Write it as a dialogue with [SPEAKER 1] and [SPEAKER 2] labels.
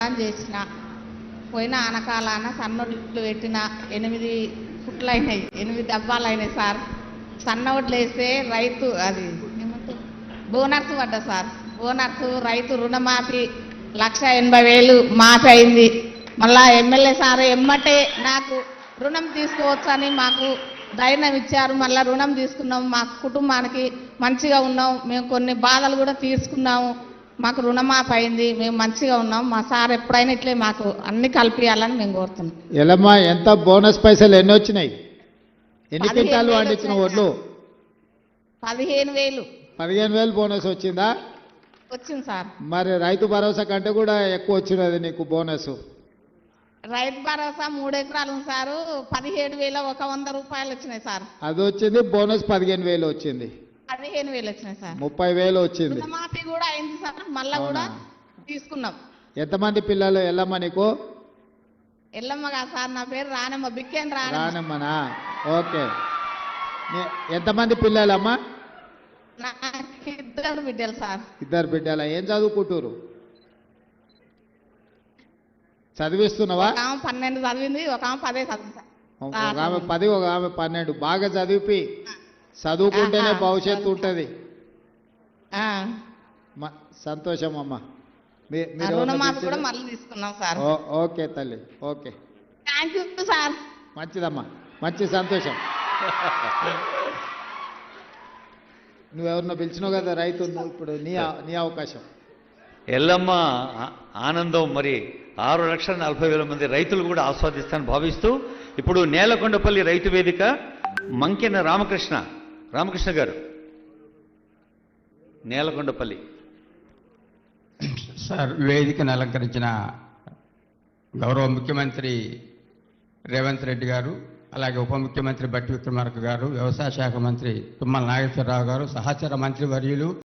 [SPEAKER 1] చేసిన పోయిన ఆనకాలాన సన్నొడ్లు పెట్టిన 8 ఫుట్లైనాయి, 8 డబ్బాలైనాయి సార్. సన్నొడ్లు వేస్తే రైతు అది బోనస్ పడ్డా సార్. బోనస్ రైతు రుణమాఫీ 1,80,000 మాఫీ అయింది. మళ్ళా ఎమ్మెల్యే సార్ ఎమ్మటే నాకు రుణం తీసుకోవచ్చని మాకు ధైర్యం ఇచ్చారు. మళ్ళీ రుణం తీసుకున్నాం, మా కుటుంబానికి మంచిగా ఉన్నాం. మేము కొన్ని బాధలు కూడా తీర్చుకున్నాము. మాకు రుణమాఫీ అయింది, మేము మంచిగా ఉన్నాం. మా సార్ ఎప్పుడైనా ఇట్లే మాకు అన్ని కలిపియాలని మేము కోరుతున్నాం.
[SPEAKER 2] ఎలమ్మా, ఎంత బోనస్ పైసలు ఎన్ని వచ్చినాయి? ఎన్ని క్వింటాలు పండించిన ఒడ్లు?
[SPEAKER 1] 15,000.
[SPEAKER 2] 15,000 బోనస్ వచ్చిందా?
[SPEAKER 1] వచ్చింది సార్.
[SPEAKER 2] మరి రైతు భరోసా కంటే కూడా ఎక్కువ వచ్చినది నీకు బోనస్.
[SPEAKER 1] రైతు భరోసా 3 ఎకరాలు సారు, 17,000 100 రూపాయలు వచ్చినాయి సార్.
[SPEAKER 2] అది వచ్చింది, బోనస్ 15,000 వచ్చింది.
[SPEAKER 1] 15,000 వచ్చినాయి సార్.
[SPEAKER 2] 30,000 వచ్చింది.
[SPEAKER 1] రుణమాఫీ కూడా అయింది సార్, మళ్ళా కూడా తీసుకున్నాం.
[SPEAKER 2] ఎంతమంది పిల్లలు ఎల్లమ్మ నీకు?
[SPEAKER 1] ఎల్లమ్మగా సార్, నా పేరు రానమ్మ, బిక్కేన్
[SPEAKER 2] రానమ్మనా? ఓకే. ఎంతమంది పిల్లలమ్మా?
[SPEAKER 1] నాకు 2 బిడ్డలు సార్.
[SPEAKER 2] 2 బిడ్డల. ఏం చదువుకుంటారు? చదివిస్తున్నావా?
[SPEAKER 1] ఒక ఆమె 12 చదివింది, ఒక ఆమె 10 చదివింది.
[SPEAKER 2] ఒక ఆమె 10, ఒక ఆమె 12. బాగా చదివి చదువుకుంటేనే భవిష్యత్తు ఉంటుంది. సంతోషం అమ్మా.
[SPEAKER 1] రుణమాఫీ కూడా మళ్ళీ తీసుకున్నాం సార్.
[SPEAKER 2] ఓకే తల్లి, ఓకే.
[SPEAKER 1] Thank you sir.
[SPEAKER 2] మంచిదమ్మా, మంచి సంతోషం. నువ్వెవరినో పిలిచినావు కదా రైతు, ఇప్పుడు నీ అవకాశం.
[SPEAKER 3] ఎల్లమ్మ ఆనందం మరి 6,40,000 మంది రైతులు కూడా ఆస్వాదిస్తానని భావిస్తూ ఇప్పుడు నేలకొండపల్లి రైతు వేదిక మంకెన రామకృష్ణ గారు, నేలకొండపల్లి.
[SPEAKER 4] సార్, వేదికను అలంకరించిన గౌరవ ముఖ్యమంత్రి రేవంత్ రెడ్డి గారు, అలాగే ఉప ముఖ్యమంత్రి బట్టి విక్రమార్క గారు, వ్యవసాయ శాఖ మంత్రి తుమ్మల నాగేశ్వరరావు గారు, సహచర మంత్రి వర్యులు